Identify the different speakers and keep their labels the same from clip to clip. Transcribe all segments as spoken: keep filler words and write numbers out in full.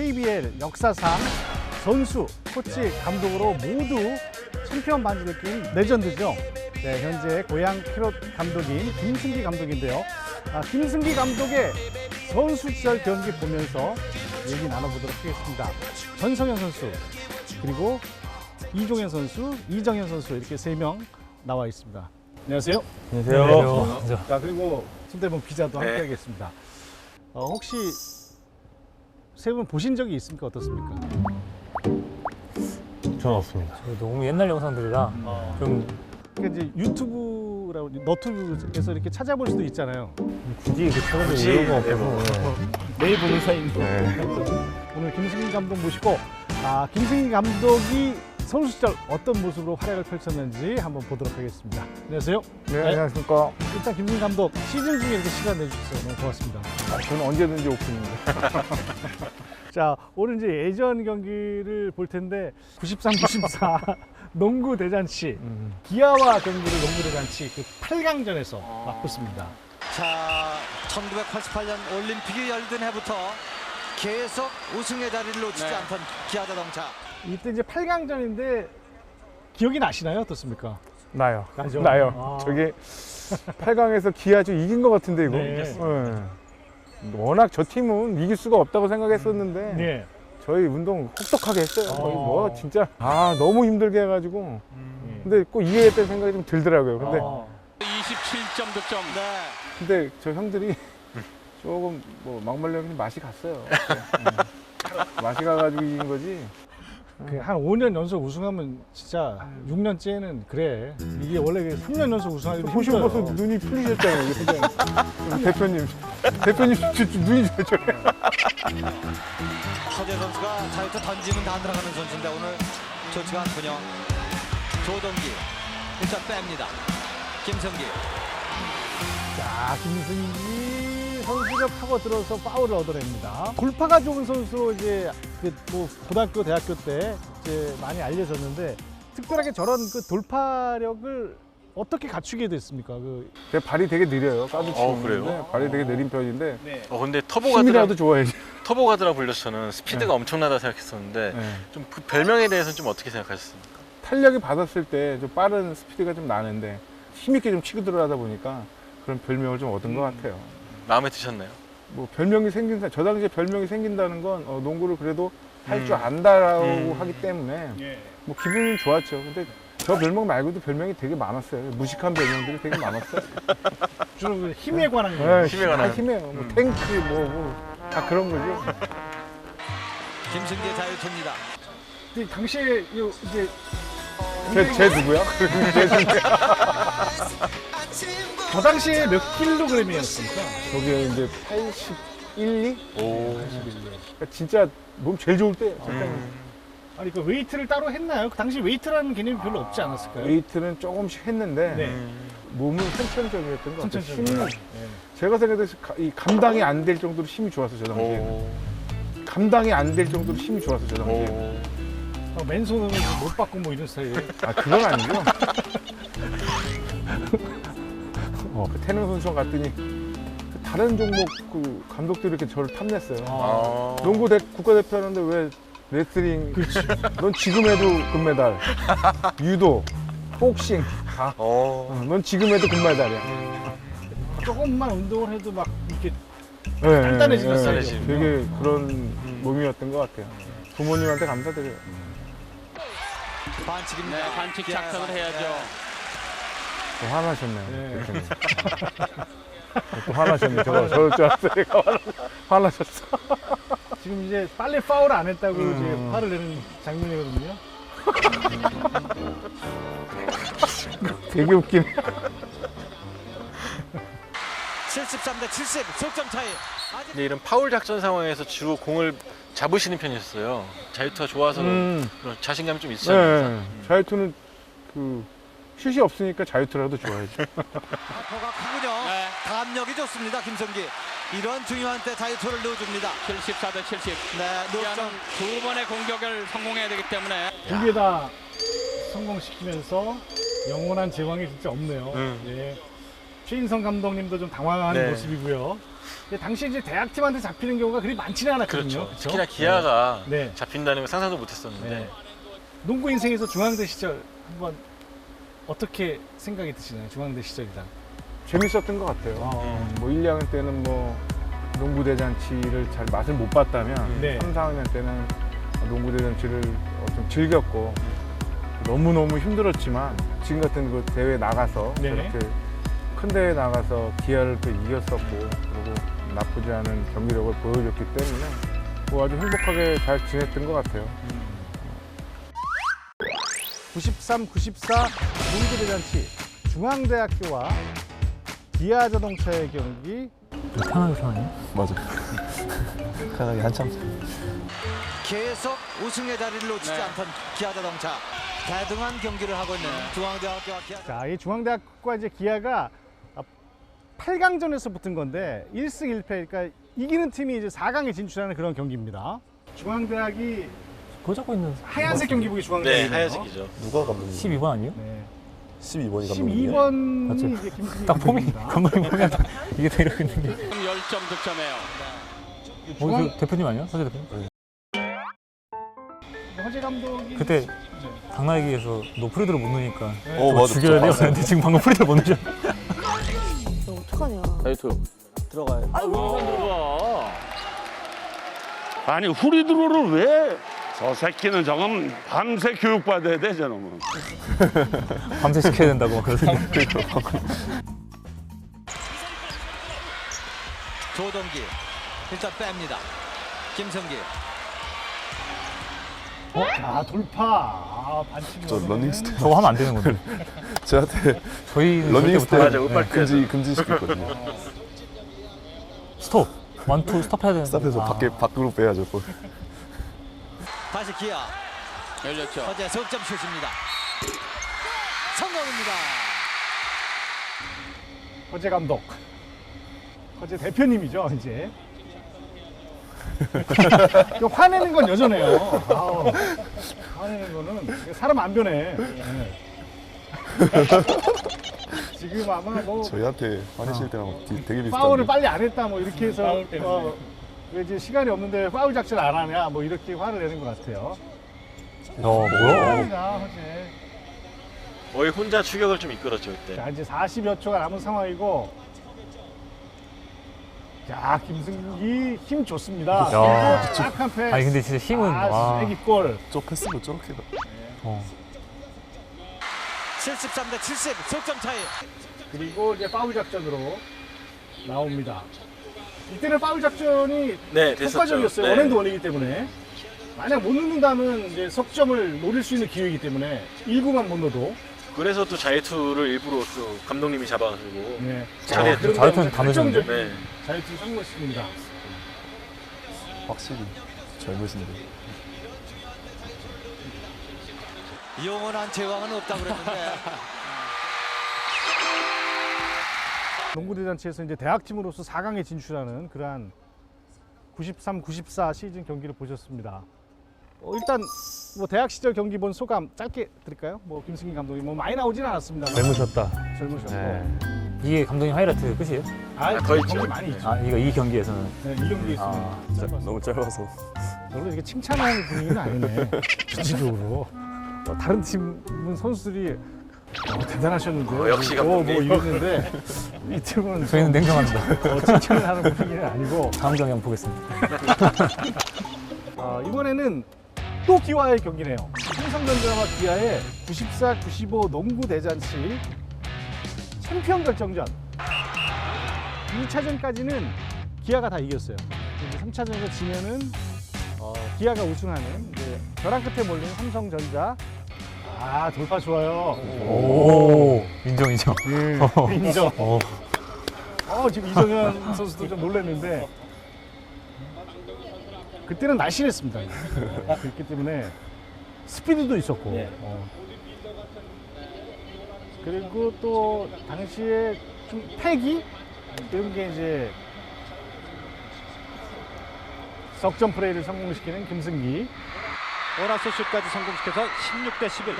Speaker 1: 케이비엘 역사상 선수, 코치, 감독으로 모두 챔피언 반지를 낀 레전드죠. 네, 현재 고양 캐럿 감독인 김승기 감독인데요. 아, 김승기 감독의 선수 시절 경기 보면서 얘기 나눠보도록 하겠습니다. 전성현 선수, 그리고 이종현 선수, 이정현 선수 이렇게 세 명 나와 있습니다. 안녕하세요.
Speaker 2: 안녕하세요.
Speaker 1: 안녕하세요. 자, 그리고 손대범 기자도
Speaker 2: 네.
Speaker 1: 함께하겠습니다. 어, 혹시 세 분 보신 적이 있습니까? 어떻습니까?
Speaker 2: 저는 없습니다.
Speaker 3: 너무 옛날 영상들이라
Speaker 1: 어.
Speaker 3: 좀
Speaker 1: 그러니까 이제 유튜브라고 너튜브에서 이렇게 찾아볼 수도 있잖아요.
Speaker 2: 굳이 그 찾아볼
Speaker 1: 굳이,
Speaker 2: 이유가
Speaker 1: 네,
Speaker 2: 없어서.
Speaker 1: 뭐. 매일 보는 사이인데.
Speaker 2: 네.
Speaker 1: 오늘 김승기 감독 모시고 아, 김승기 감독이 선수 시절 어떤 모습으로 활약을 펼쳤는지 한번 보도록 하겠습니다. 안녕하세요.
Speaker 2: 네, 안녕하십니까.
Speaker 1: 일단 김승기 감독 시즌 중에 이렇게 시간 내주셔서 너무 고맙습니다.
Speaker 2: 아, 저는 언제든지 오픈입니다.
Speaker 1: 자, 오늘 이제 예전 경기를 볼 텐데 구십삼 구십사 농구 대잔치
Speaker 2: 음.
Speaker 1: 기아와 경기를 농구 대잔치 그 팔 강전에서 맞붙습니다.
Speaker 4: 자, 천구백팔십팔 년 올림픽이 열린 해부터 계속 우승의 자리를 놓치지
Speaker 3: 네.
Speaker 4: 않던 기아자동차.
Speaker 1: 이때 이제 팔 강전인데 기억이 나시나요? 어떻습니까?
Speaker 2: 나요.
Speaker 1: 나죠?
Speaker 2: 나요.
Speaker 1: 아.
Speaker 2: 저게 팔 강에서 기아 좀 이긴 것 같은데, 이거.
Speaker 1: 네.
Speaker 2: 네. 워낙 저 팀은 이길 수가 없다고 생각했었는데,
Speaker 1: 네.
Speaker 2: 저희 운동 혹독하게 했어요. 거의
Speaker 1: 어.
Speaker 2: 뭐, 진짜. 아, 너무 힘들게 해가지고.
Speaker 1: 음.
Speaker 2: 근데 꼭 이겨야겠다는 생각이 좀 들더라고요. 근데,
Speaker 1: 어.
Speaker 3: 이십칠 점 득점.
Speaker 4: 네.
Speaker 2: 근데 저 형들이 조금 뭐 막말려면 맛이 갔어요. 음. 맛이 가가지고 이긴 거지.
Speaker 1: 그 한 오 년 연속 우승하면 진짜 육 년째는 그래. 이게 원래 삼 년 연속 우승하기도
Speaker 2: 보시고
Speaker 1: 힘들어요.
Speaker 2: 벌써 눈이 풀리셨잖아요, 우리 회장님. 대표님. 대표님 진짜 눈이 저래.
Speaker 4: 허재 선수가 자유투 던지면 다 들어가는 선수인데 오늘 좋지가 않군요. 조동기 일단 뺍니다. 김성기.
Speaker 1: 자, 김승기 선수가 파고 들어서 파울을 얻어냅니다. 돌파가 좋은 선수로 이제 그 뭐 고등학교, 대학교 때 이제 많이 알려졌는데 특별하게 저런 그 돌파력을 어떻게 갖추게 됐습니까? 그
Speaker 2: 제 발이 되게 느려요. 까도
Speaker 5: 어,
Speaker 2: 치는데
Speaker 5: 그래요?
Speaker 2: 발이 되게 느린 편인데
Speaker 1: 네.
Speaker 5: 어 근데 터보가드라
Speaker 2: 힘이라도 좋아야지.
Speaker 5: 터보가드라 불려서 저는 스피드가
Speaker 2: 네.
Speaker 5: 엄청나다 생각했었는데
Speaker 2: 네.
Speaker 5: 좀 그 별명에 대해서는 좀 어떻게 생각하셨습니까?
Speaker 2: 탄력이 받았을 때 좀 빠른 스피드가 좀 나는데 힘있게 좀 치고 들어가다 보니까 그런 별명을 좀 얻은 것 같아요.
Speaker 5: 마음에 드셨나요?
Speaker 2: 뭐 별명이 생긴다. 저 당시에 별명이 생긴다는 건 어, 농구를 그래도 할 줄
Speaker 5: 음.
Speaker 2: 안다라고
Speaker 5: 음.
Speaker 2: 하기 때문에
Speaker 1: 예.
Speaker 2: 뭐 기분은 좋았죠. 근데 저 별명 말고도 별명이 되게 많았어요. 무식한 별명들이 되게 많았어요.
Speaker 1: 주로 그 힘에 관한 거.
Speaker 2: 네,
Speaker 5: 힘에
Speaker 2: 다
Speaker 5: 관한.
Speaker 2: 힘이에요. 뭐
Speaker 5: 음.
Speaker 2: 탱크 뭐, 뭐 다 그런 거죠.
Speaker 4: 김승기의 자유투입니다.
Speaker 1: 그 당시에 요 이제
Speaker 2: 제, 제 누구야? 제 누구야?
Speaker 1: 저 당시에 몇 킬로그램이었습니까?
Speaker 2: 저게 이제 팔십일, 이?
Speaker 5: 오.
Speaker 2: 그러니까 진짜 몸 제일 좋을 때.
Speaker 5: 음.
Speaker 1: 아니 그 웨이트를 따로 했나요? 그 당시 웨이트라는 개념이 별로 없지 않았을까요?
Speaker 2: 웨이트는 조금씩 했는데
Speaker 1: 네.
Speaker 5: 음.
Speaker 2: 몸은 선천적이었던 것 같아요.
Speaker 1: 천천히.
Speaker 2: 힘이 제가 생각해서 가- 이 감당이 안 될 정도로 힘이 좋았어 저 당시에.
Speaker 5: 오.
Speaker 2: 감당이 안 될 정도로 힘이 좋았어 저 당시에.
Speaker 5: 오.
Speaker 1: 어, 맨손으로 못 받고 뭐 이런 스타일.
Speaker 2: 아 그건 아니죠. 어, 그 태능 선수 갔더니 그 다른 종목 그 감독들이 이렇게 저를 탐냈어요.
Speaker 5: 아.
Speaker 2: 농구 대, 국가대표 하는데 왜 레슬링? 넌 지금 해도 금메달. 유도, 복싱 다.
Speaker 5: 어.
Speaker 2: 어, 넌 지금 해도 금메달이야.
Speaker 1: 조금만 운동을 해도 막 이렇게
Speaker 2: 네,
Speaker 1: 단단해지는
Speaker 2: 네,
Speaker 5: 스타일이시군요.
Speaker 2: 되게 그런 몸이었던 것 같아요. 부모님한테 감사드려요.
Speaker 4: 반칙입니다.
Speaker 3: 네, 반칙
Speaker 4: 기아
Speaker 3: 작전을
Speaker 4: 반칙.
Speaker 3: 해야죠.
Speaker 2: 또 화나셨네요.
Speaker 1: 네.
Speaker 2: 대표님. 또 화나셨네. 저, 저럴 줄 알았어요. 얘가 화나- 화나셨어.
Speaker 1: 지금 이제 빨리 파울 안 했다고
Speaker 2: 음.
Speaker 1: 이제 화를 내는 장면이거든요.
Speaker 2: 되게 웃기네.
Speaker 4: 칠십삼 대 칠십 석점 차이. 아직
Speaker 5: 근데 이런 파울 작전 상황에서 주로 공을 잡으시는 편이셨어요. 자유투가 좋아서
Speaker 2: 음.
Speaker 5: 그런 자신감이 좀 있으셨나요?
Speaker 2: 네. 자유투는 그 슛이 없으니까 자유투라도 좋아야죠.
Speaker 4: 아포가 크군요.
Speaker 3: 네.
Speaker 4: 감력이 좋습니다. 김성기. 이런 중요한 때 자유투를 넣어줍니다.
Speaker 3: 칠십사 대 칠십.
Speaker 4: 네,
Speaker 3: 기아는
Speaker 4: 노점.
Speaker 3: 두 번의 공격을 성공해야 되기 때문에
Speaker 1: 두 개 다 성공시키면서 영원한 제왕이 진짜 없네요.
Speaker 5: 음.
Speaker 1: 예. 최인성 감독님도 좀 당황한
Speaker 5: 네.
Speaker 1: 모습이고요. 근데 당시 이제 대학팀한테 잡히는 경우가 그리 많지는 않았거든요.
Speaker 5: 그렇죠. 특히나 기아가
Speaker 1: 네.
Speaker 5: 잡힌다는 걸 상상도 못했었는데
Speaker 1: 네. 농구 인생에서 중앙대 시절 한번 어떻게 생각이 드시나요? 중앙대 시절이다.
Speaker 2: 재밌었던 것 같아요.
Speaker 1: 어.
Speaker 2: 뭐 일, 이 학년 때는 뭐 농구 대잔치를 잘 맛을 못 봤다면
Speaker 1: 네.
Speaker 2: 삼, 사 학년 때는 농구 대잔치를 좀 즐겼고 너무 너무 힘들었지만 지금 같은 그 대회 나가서
Speaker 1: 네.
Speaker 2: 저렇게 큰 대회 나가서 기아를 또 이겼었고 그리고 나쁘지 않은 경기력을 보여줬기 때문에 뭐 아주 행복하게 잘 지냈던 것 같아요.
Speaker 1: 구십삼, 구십사 농구 대잔치 중앙대학교와 기아자동차의 경기.
Speaker 3: 편하게 편하게.
Speaker 6: 맞아. 편하게 한참.
Speaker 4: 계속 우승의 자리를 놓치지
Speaker 3: 네.
Speaker 4: 않던 기아자동차 대등한 경기를 하고 있는 중앙대학교와 기아.
Speaker 1: 자, 이 중앙대학과 이제 기아가 팔 강전에서 붙은 건데 일 승 일 패, 그러니까 이기는 팀이 이제 사 강에 진출하는 그런 경기입니다. 중앙대학이
Speaker 3: 그거 잡고 있는
Speaker 1: 하얀색 경기복이
Speaker 5: 네,
Speaker 1: 중앙대학이네요.
Speaker 5: 하얀색이죠.
Speaker 6: 누가 감독님?
Speaker 3: 십이 번 아니에요?
Speaker 1: 네.
Speaker 6: 십이 번이
Speaker 1: 십이
Speaker 6: 감독님이에요?
Speaker 1: 번이
Speaker 3: 맞죠.
Speaker 1: 이제 김승희
Speaker 3: 딱 폼이
Speaker 1: 감독입니다.
Speaker 3: 감독님 보면 이게 다 이렇게 있는 게. 십 점 득점해요. 뭐
Speaker 1: 중앙-
Speaker 3: 그 대표님 아니야? 서재 대표님?
Speaker 1: 허재 감독이
Speaker 3: 그때 당나귀에서 너 프리드를 못 넣으니까
Speaker 6: 어,
Speaker 3: 저거
Speaker 6: 맞아.
Speaker 3: 죽여야 돼요.
Speaker 6: 봤어요.
Speaker 3: 근데 지금 방금 프리드를 못 넣으셨.
Speaker 7: 너 어떡하냐.
Speaker 5: 자유투 들어가요.
Speaker 8: 아니 후리드로를 왜? 저 새끼는 저건 밤새 교육받아야 돼 저놈은.
Speaker 3: 밤새 시켜야 된다고 막 그러던데.
Speaker 4: 조동기 일단 뺍니다. 김성기.
Speaker 1: 아, 돌파. 아, 반칙이
Speaker 6: 저 러닝 스텝
Speaker 3: 저거 하면 안 되는 건데.
Speaker 6: 저한테
Speaker 3: 저희는
Speaker 6: 러닝
Speaker 3: 절대 못해요.
Speaker 6: 스텝
Speaker 5: 맞아, 빨리
Speaker 6: 금지 금지시켰거든요.
Speaker 3: 스톱. 원투 스톱 해야 되는데.
Speaker 6: 스탑해서
Speaker 3: 아.
Speaker 6: 밖에 밖으로 빼야죠. 또.
Speaker 4: 다시 기아.
Speaker 3: 열렸죠.
Speaker 4: 허재 석점 슛입니다. 성공입니다.
Speaker 1: 허재 감독. 허재 대표님이죠, 이제. 그 화내는 건 여전해요. 아우, 화내는 거는 사람 안 변해. 네. 지금 아마 뭐
Speaker 6: 저희한테 화내실 때랑 되- 되게 비슷한데.
Speaker 1: 파울을 빨리 안 했다 뭐 이렇게 해서 어, 왜 이제 시간이 없는데 파울 작전 안 하냐 뭐 이렇게 화를 내는 것 같아요.
Speaker 3: 야 뭐야?
Speaker 1: 화이다, 허재.
Speaker 5: 거의 혼자 추격을 좀 이끌었죠 그때.
Speaker 1: 자, 이제 사십여 초가 남은 상황이고. 자, 김승기 힘 좋습니다.
Speaker 3: 야.
Speaker 1: 그리고 딱한 패스.
Speaker 3: 아니 근데 진짜 힘은
Speaker 1: 아,
Speaker 3: 와.
Speaker 1: 애기골.
Speaker 6: 저 패스도 저렇게
Speaker 3: 어.
Speaker 4: 칠십삼 대 칠십 석점 차이.
Speaker 1: 그리고 이제 파울 작전으로 나옵니다. 이때는 파울 작전이
Speaker 5: 네, 됐었죠.
Speaker 1: 효과적이었어요.
Speaker 5: 네.
Speaker 1: 원앤드 원이기 때문에. 만약 못 넣는다면 이제 석점을 노릴 수 있는 기회이기 때문에 일 구만 못 넣어도.
Speaker 5: 그래서 또 자유투를 일부러 또 감독님이 잡아가지고.
Speaker 1: 네.
Speaker 5: 잘했죠.
Speaker 1: 그런
Speaker 3: 자유투는
Speaker 1: 다음에
Speaker 3: 다 넣으셨는데?
Speaker 1: 결정적인
Speaker 5: 네.
Speaker 1: 자유투 성공했습니다.
Speaker 6: 확실히 젊으신데.
Speaker 4: 영원한 제왕은 없다고 그랬는데
Speaker 1: 농구대잔치에서 이제 대학팀으로서 사 강에 진출하는 그러한 구십삼, 구십사 시즌 경기를 보셨습니다. 어, 일단 뭐 대학 시절 경기 본 소감 짧게 드릴까요? 뭐 김승기 감독이 뭐 많이 나오진 않았습니다.
Speaker 3: 젊으셨다.
Speaker 1: 젊으셨고.
Speaker 3: 네. 이게 감독님 하이라이트 끝이에요?
Speaker 1: 아,
Speaker 5: 거의
Speaker 1: 경기
Speaker 5: 있죠.
Speaker 1: 많이 있죠.
Speaker 3: 아 이거 이 경기에서는.
Speaker 1: 네, 이 경기에 있으면
Speaker 3: 아,
Speaker 1: 짧았어요.
Speaker 6: 너무 짧아서.
Speaker 1: 별로 이렇게 칭찬하는 분위기는 아니네. 전체적으로. 어, 다른 팀 선수들이 어, 대단하셨는데요.
Speaker 5: 어, 역시
Speaker 1: 뭐, 뭐
Speaker 5: 감독님.
Speaker 1: 이랬는데 이 팀은
Speaker 3: 저희는 냉정합니다.
Speaker 1: 어, 칭찬을 하는 분위기는 아니고
Speaker 3: 다음 경기 한번 보겠습니다.
Speaker 1: 어, 이번에는 또 기아의 경기네요. 삼성전자와 기아의 구십사, 구십오 농구 대잔치 챔피언 결정전. 이 차전까지는 기아가 다 이겼어요. 이제 삼 차전에서 지면은 어, 기아가 우승하는 이제 벼랑 끝에 몰린 삼성전자. 아, 돌파 좋아요.
Speaker 3: 오 인정 인정.
Speaker 1: 예, 인정.
Speaker 3: 어.
Speaker 1: 어, 지금 이정현 선수도 좀 놀랐는데 그때는 날씬했습니다. 그렇기 때문에 스피드도 있었고 어. 그리고 또 당시에 좀 패기 이런 게 이제 석점 플레이를 성공시키는 김승기.
Speaker 9: 오라스 슛까지 성공시켜서 십육 대 십일.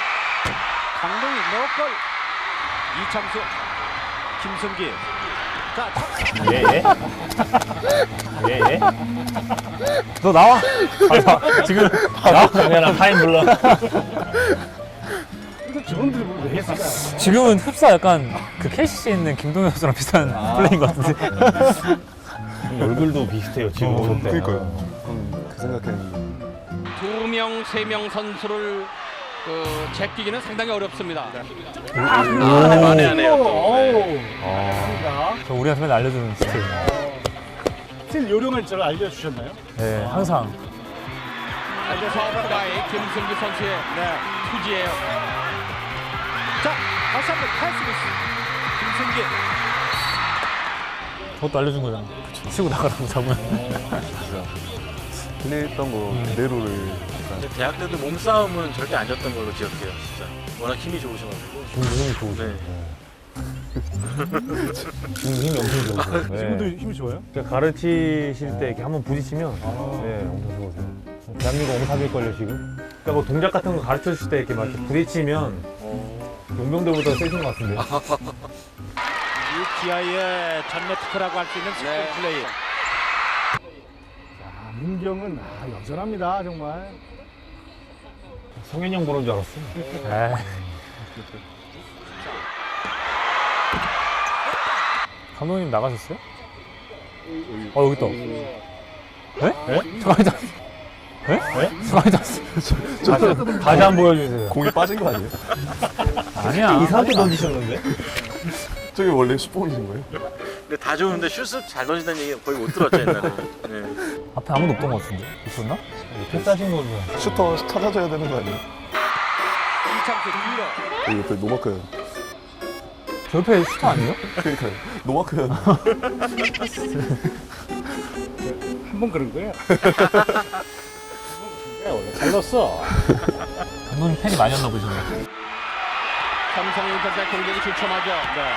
Speaker 9: 강동희 넣골. 이창수, 김승기 자,
Speaker 10: 예, 예. 예, 예. 너 나와. 아, 지금 나와. 그냥 타임 불러.
Speaker 1: 저런 드리블을 왜 했을까?
Speaker 10: 지금은 흡사 약간 그 케이씨씨에 있는 김동현 선수랑 비슷한 플레이인 것 같은데. 얼굴도 비슷해요, 지금.
Speaker 6: 어, 그니까요. 음, 그 생각했는데.
Speaker 3: 두 명, 세 명 선수를 그 제끼기는 상당히 어렵습니다.
Speaker 1: 아,
Speaker 5: 많이 하네요.
Speaker 1: 어우.
Speaker 10: 저 우리 선배님 알려주는 스타일.
Speaker 1: 스틸 요령을 저를 알려주셨나요?
Speaker 10: 네, 항상.
Speaker 3: 이제 서브가이 김승기 선수의 네, 투지예요.
Speaker 9: 자, 다시 한번 탈스미스. 김승기.
Speaker 10: 저것도 알려준 거잖아. 치고 나가라고 잡으면.
Speaker 6: 플레이했던 거 그대로를 약간
Speaker 5: 근데 대학 때도 몸싸움은 절대 안 졌던 걸로 기억해요, 진짜. 워낙 힘이 좋으셔가지고.
Speaker 10: 힘이 좋으죠.
Speaker 5: 네.
Speaker 10: 지금 힘이 엄청 좋으세요. 네.
Speaker 1: 지금도 힘이 좋아요?
Speaker 10: 그러니까 가르치실 때 이렇게 한번 부딪히면 네, 엄청 좋으세요. 대한민국 옹탑일걸요, 지금? 그러니까 뭐 동작 같은 거 가르쳐 주실 때 이렇게 막 이렇게 부딪히면 용병들보다 세신 것 같은데.
Speaker 9: 유티아이의 전매특허라고 할 수 있는 스포
Speaker 3: 네.
Speaker 9: 플레이.
Speaker 1: 아, 문경은 아, 여전합니다, 정말.
Speaker 10: 성현이 형 보는 줄 알았어. 감독님 나가셨어요? 어, 여기 있다. 에? 에? 잠깐만, 에? 잠깐만, 다시, 다시 한 번 보여주세요.
Speaker 6: 공이 빠진 거 아니에요?
Speaker 10: 아니야. 이상하게 던지셨는데?
Speaker 6: 저게 원래 슈퍼홈이신 거예요?
Speaker 5: 근데 다 좋은데 슛을 잘 던진다는 얘기 거의 못 들었죠, 옛날에. 네.
Speaker 10: 앞에 아무도 없던 것 같은데? 있었나? 패스하신 거죠.
Speaker 6: 슈터 찾아줘야 되는 거 아니에요?
Speaker 9: 이창수 뒤로.
Speaker 6: 여기 옆에 노마크현.
Speaker 10: 저 옆에 슈터 아니에요?
Speaker 6: 그러니까요. 노마크현.
Speaker 1: 한 번 그런 거야. 원래 잘 넣었어.
Speaker 10: 감독님 팬이 많이 었나 보시네.
Speaker 3: 삼성 인터넷 공격이 주춤하죠. 네.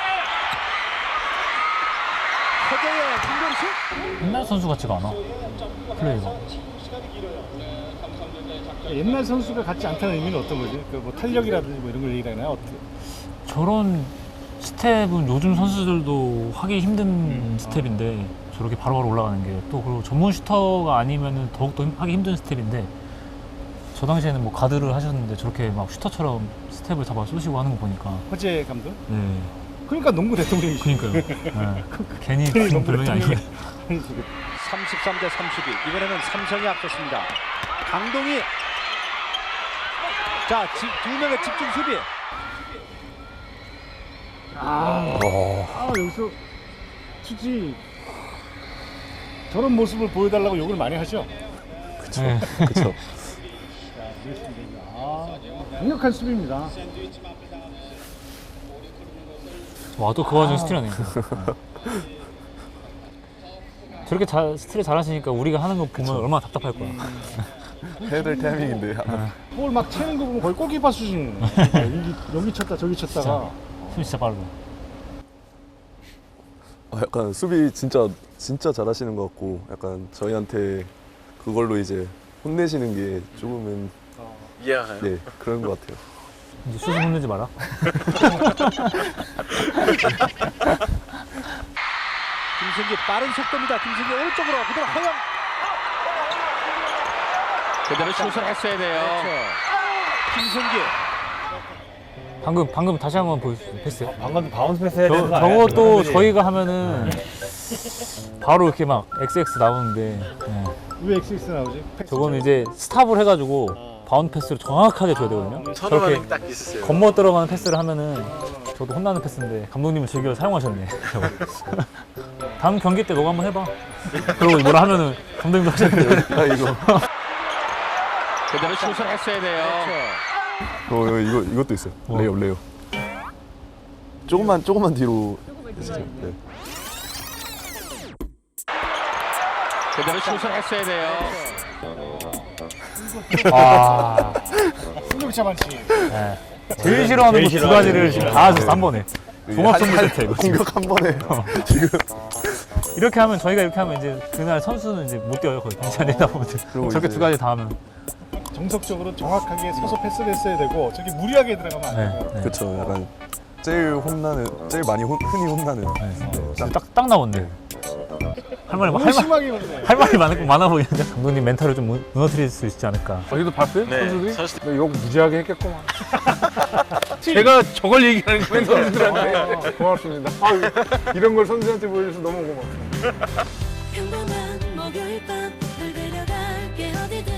Speaker 9: 허재의 김경식.
Speaker 10: 옛날 선수 같지가 않아. 플레이가.
Speaker 1: 옛날 선수가 같지 않다는 의미는 어떤 거지? 그 뭐 탄력이라든지 뭐 이런 걸 얘기하나요? 어떻게?
Speaker 10: 저런 스텝은 요즘 선수들도 하기 힘든 스텝인데 저렇게 바로바로 올라가는 게 또 그리고 전문 슈터가 아니면은 더욱더 힘- 하기 힘든 스텝인데 저 당시에는 뭐 가드를 하셨는데 저렇게 막 슈터처럼 스텝을 잡아 쏘시고 하는 거 보니까
Speaker 1: 허재 감독?
Speaker 10: 네.
Speaker 1: 그러니까 농구 대통령이지.
Speaker 10: 그러니까요. 네. 괜히 그런 별명이 아니에요.
Speaker 9: 삼십삼 대 삼십이. 이번에는 삼성이 앞섰습니다. 강동희. 자, 지, 두 명의 집중 수비.
Speaker 1: 아, 아 여기서 투지 저런 모습을 보여달라고 욕을 많이 하죠.
Speaker 10: 그쵸. 네.
Speaker 6: 그쵸.
Speaker 1: 자, 이겼습니다. 아, 강력한 수비입니다.
Speaker 10: 와, 또 그 와중에 스틸하네. 저렇게 잘, 스틸을 잘하시니까 우리가 하는 거 보면 얼마나 답답할 거야.
Speaker 6: 해야 될 타이밍인데.
Speaker 1: 볼 막 채는 거 보면 거의 골키퍼 수준. 여기, 여기 쳤다 저기 쳤다가.
Speaker 10: 숨 진짜 빠르다.
Speaker 6: 아, 약간 수비 진짜 진짜 잘하시는 것 같고 약간 저희한테 그걸로 이제 혼내시는 게 조금은
Speaker 5: 이해가 가요?
Speaker 6: 네 그런 것 같아요.
Speaker 10: 이제 수준 혼내지 마라.
Speaker 9: 김승기 빠른 속도입니다. 김승기 오른쪽으로 그대로 허영.
Speaker 3: 그대로 슛을 했어야 돼요.
Speaker 9: 김승기.
Speaker 10: 방금 방금 다시 한번 보여주세요. 패스요.
Speaker 11: 방금 바운스 패스 해야 되는 거
Speaker 10: 저,
Speaker 11: 아니야?
Speaker 10: 저것도 저희가 하면은 바로 이렇게 막 엑스엑스 나오는데 네.
Speaker 1: 왜 엑스엑스 나오지? 패스
Speaker 10: 저거는 이제 스탑을 해가지고 바운드 패스를 정확하게 줘야 되거든요.
Speaker 5: 서로
Speaker 10: 저렇게
Speaker 5: 반응이 딱 있었어요.
Speaker 10: 겉멋 들어가는 패스를 하면은 저도 혼나는 패스인데 감독님은 즐겨 사용하셨네. 저거. 다음 경기 때 너가 한번 해봐. 그러고 뭐라 하면은 감독님도 하셨는데.
Speaker 6: 아 이거
Speaker 3: 그대로 슛을 했어야 돼요.
Speaker 6: 어 이거 이것도 있어요.
Speaker 10: 뭐?
Speaker 6: 레이업 레이업. 조금만 조금만 뒤로 해주세요. 네.
Speaker 3: 그대로 슛을 했어야 돼요.
Speaker 10: 아,
Speaker 1: 승격 자만치.
Speaker 10: 네. 제일 싫어하는 거 두 가지를 지금 다 하셨어 한 번에. 종합 선물 세트 이거 지금.
Speaker 6: 공격 한 번에 지금
Speaker 10: 이렇게 하면 저희가 이렇게 하면 이제 그날 선수는 이제 못 뛰어요 거의 벤치 안에 있다 보면.
Speaker 6: 그리고
Speaker 10: 저렇게
Speaker 6: 이제-
Speaker 10: 두 가지 다 하면.
Speaker 1: 정석적으로 정확하게 서서 패스를 했어야 되고 저기 무리하게 들어가면 안
Speaker 10: 네.
Speaker 1: 되고.
Speaker 10: 네.
Speaker 6: 그렇죠. 약간 제일 혼나는, 제일 많이 혼, 흔히 혼나는.
Speaker 10: 딱, 딱, 딱 나왔네. 할 말이,
Speaker 1: 너무
Speaker 10: 할, 말,
Speaker 1: 심하게 혼내.
Speaker 10: 할 말이 많, 많아 보이는데 감독님 멘탈을 좀 무- 무너뜨릴 수 있지 않을까.
Speaker 2: 어제도 봤어요?
Speaker 5: 네,
Speaker 2: 선수들이?
Speaker 5: 선수들.
Speaker 2: 근데 욕 무지하게 했겠구만. 제가 저걸 얘기하는 거예요, 선수들한테. 고맙습니다. 아유, 이런 걸 선수한테 보여줘서 너무 고맙습니다.
Speaker 7: 평범한 목요일 밤 널 데려갈게 어디든